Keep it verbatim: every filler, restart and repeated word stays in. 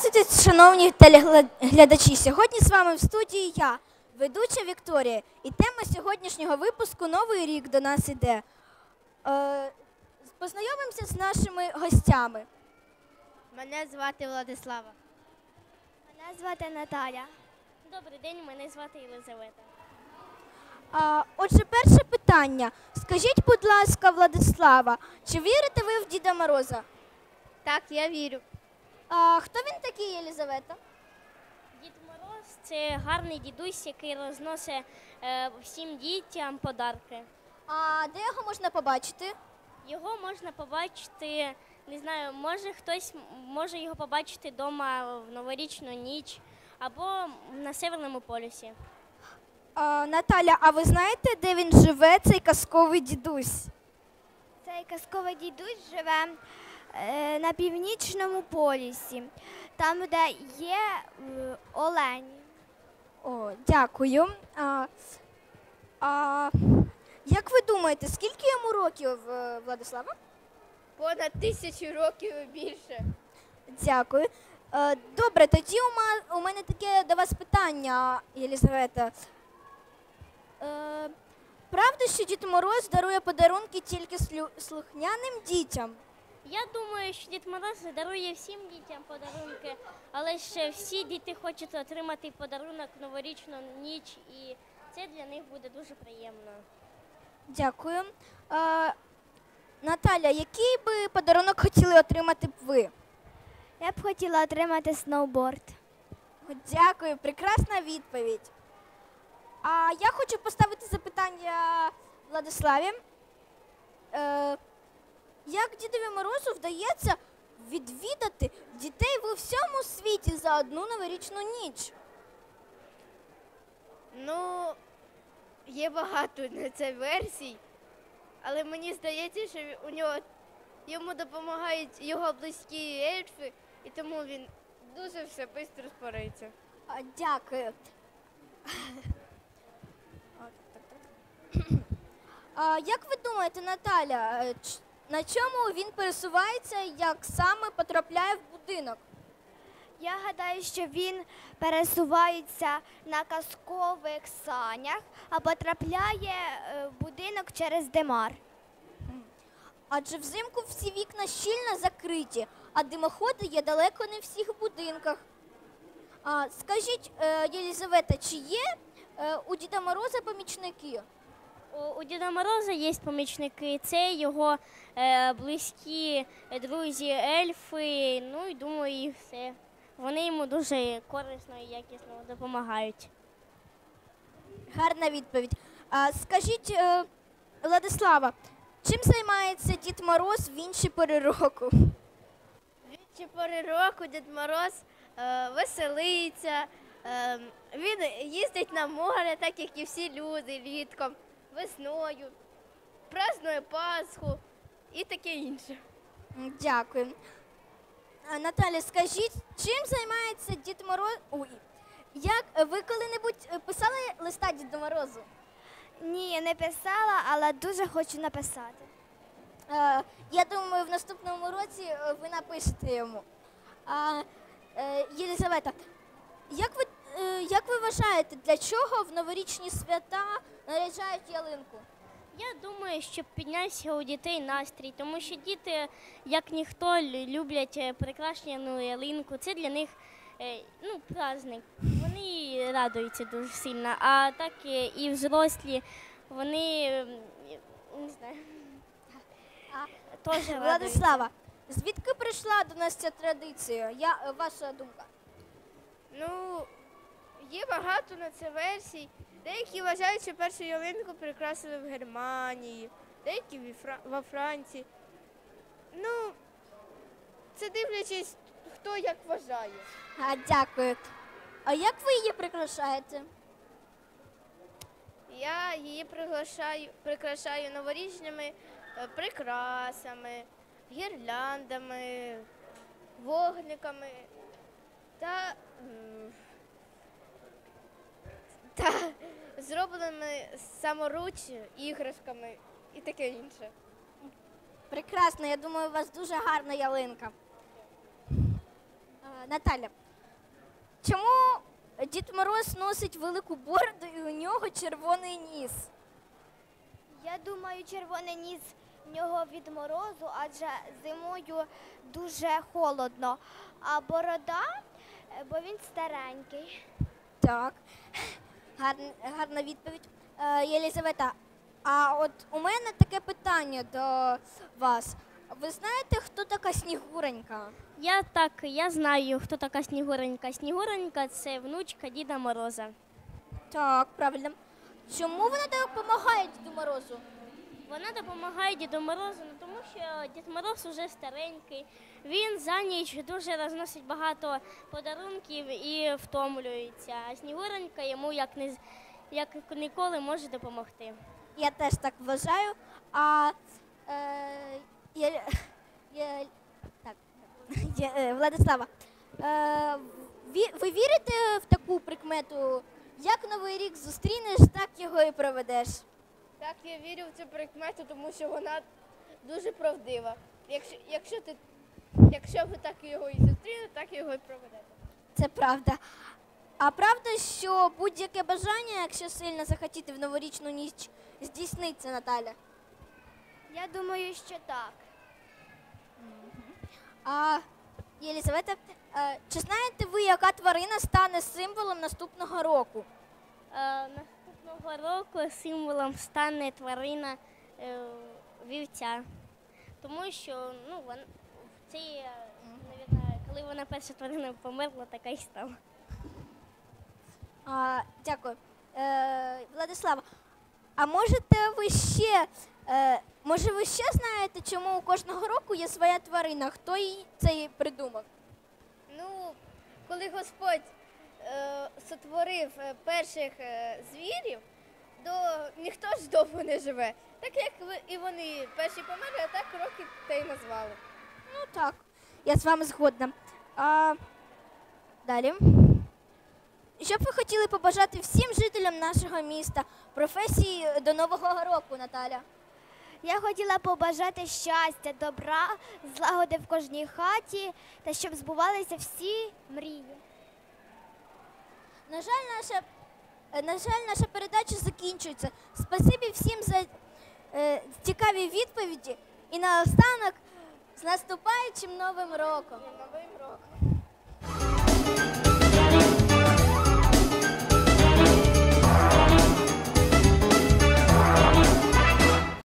Здравствуйте, шановні телеглядачі! Сьогодні з вами в студії я, ведуча Вікторія. І тема сьогоднішнього випуску «Новий рік до нас іде». Е, познайомимося з нашими гостями. Мене звати Владислава. Мене звати Наталя. Добрий день, мене звати Єлизавета. А, отже, перше питання. Скажіть, будь ласка, Владислава, чи вірите ви в Діда Мороза? Так, я вірю. А, хто він такий, Єлизавета? Дід Мороз – це гарний дідусь, який розносить е, всім дітям подарки. А де його можна побачити? Його можна побачити, не знаю, може хтось може його побачити вдома в новорічну ніч або на Северному полюсі. А, Наталя, а ви знаєте, де він живе, цей казковий дідусь? Цей казковий дідусь живе е, на північному полюсі, там, де є е, олені. О, дякую. А, а, як ви думаєте, скільки йому років, е, Владислава? Понад тисячу років і більше. Дякую. Е, добре, тоді у, ма, у мене таке до вас питання, Єлизавета. Е, правда, що Дід Мороз дарує подарунки тільки слю, слухняним дітям? Я думаю, що Дід Мороз дарує всім дітям подарунки, але ж всі діти хочуть отримати подарунок в новорічну ніч, і це для них буде дуже приємно. Дякую. Е, Наталя, який би подарунок хотіли отримати б ви? Я б хотіла отримати сноуборд. Дякую, прекрасна відповідь. А я хочу поставити запитання Владиславі. Е, як Дідові Морозу вдається відвідати дітей в усьому світі за одну новорічну ніч? Ну, є багато на це версій, але мені здається, що у нього, йому допомагають його близькі ельфи, і тому він дуже все швидко спорається. А, дякую. А, як ви думаєте, Наталя, е, ч- на чому він пересувається, як саме потрапляє в будинок? Я гадаю, що він пересувається на казкових санях, а потрапляє е, в будинок через димар. Адже взимку всі вікна щільно закриті, а димоходи є далеко не в всіх будинках. А, скажіть, е, Єлизавета, чи є е, у Діда Мороза помічники? У, у Діда Мороза є помічники, це його е, близькі друзі, ельфи, ну і думаю, і все. Вони йому дуже корисно і якісно допомагають. Гарна відповідь. А, скажіть, е, Владислава, чим займається Дід Мороз в інші пори року? В інші пори року Дід Мороз е, веселиться, е, він їздить на море, так як і всі люди літком, весною, празднує Пасху і таке інше. М, Дякую. А, Наталя, скажіть, чим займається Дід Мороз? Ой, як е, ви коли-небудь е, писали листа Діду Морозу? Ні, я не писала, але дуже хочу написати. Е, я думаю, в наступному році е, ви напишете йому. А, е, Єлизавета, як ви, е, як ви вважаєте, для чого в новорічні свята наряджають ялинку? Я думаю, щоб піднявся у дітей настрій, тому що діти, як ніхто, лю- люблять е, прикрашену ялинку. Це для них е, ну, праздник. Вони радуються дуже сильно, а так е, і взрослі, вони, е, не знаю, теж радуються. Владислава, звідки прийшла до нас ця традиція? Я, е, ваша думка? Ну, є багато на це версій. Деякі вважають, що першу ялинку прикрасили в Германії, деякі ві Фра- во Франції. Ну, це дивлячись, хто як вважає. А, дякую. А як ви її прикрашаєте? Я її приглашаю, прикрашаю новорічними е, прикрасами, гірляндами, вогниками та, м, та зробленими саморуч іграшками і таке інше. Прекрасно, я думаю, у вас дуже гарна ялинка. Е, Наталя, чому Дід Мороз носить велику бороду і у нього червоний ніс? Я думаю, червоний ніс в нього від морозу, адже зимою дуже холодно. А борода, е, бо він старенький. Так, гарна, гарна відповідь. Е, Єлізавета, а от у мене таке питання до вас. Ви знаєте, хто така Снігуренька? Я так, я знаю, хто така Снігуренька. Снігуренька – це внучка Діда Мороза. Так, правильно. Чому вона допомагає Діду Морозу? Вона допомагає Діду Морозу, ну, тому що Дід Мороз уже старенький. Він за ніч дуже розносить багато подарунків і втомлюється. А Снігуренька йому як, не, з- як ніколи може допомогти. Я теж так вважаю. А е, я, я, так, я, е, Владислава, е, ві- ви вірите в таку прикмету? Як Новий рік зустрінеш, так його і проведеш. Так, я вірю в цю прикмету, тому що вона дуже правдива. Якщо, якщо, ти, якщо ви так його і зустрінете, так його і проведете. Це правда. А правда, що будь-яке бажання, якщо сильно захотіти в новорічну ніч, здійсниться, Наталя? Я думаю, що так. А Єлізавета, е, чи знаєте ви, яка тварина стане символом наступного року? Е, наступного року символом стане тварина е, вівця. Тому що ну, вон, в цій, е, навірно, коли вона перша тварина померла, така й стала. А, дякую. Е, Владислава, а можете ви ще, е, може ви ще знаєте, чому у кожного року є своя тварина? Хто її це придумав? Ну, коли Господь е, сотворив е, перших е, звірів, то ніхто ж довго не живе. Так як ви- і вони перші померли, а так роки та й назвали. Ну так, я з вами згодна. А, далі. Що б ви хотіли побажати всім жителям нашого міста, професії до Нового року, Наталя? Я хотіла побажати щастя, добра, злагоди в кожній хаті та щоб збувалися всі мрії. На жаль, наша, е, на жаль, наша передача закінчується. Спасибі всім за е, цікаві відповіді і наостанок з наступаючим Новим роком. Новим роком.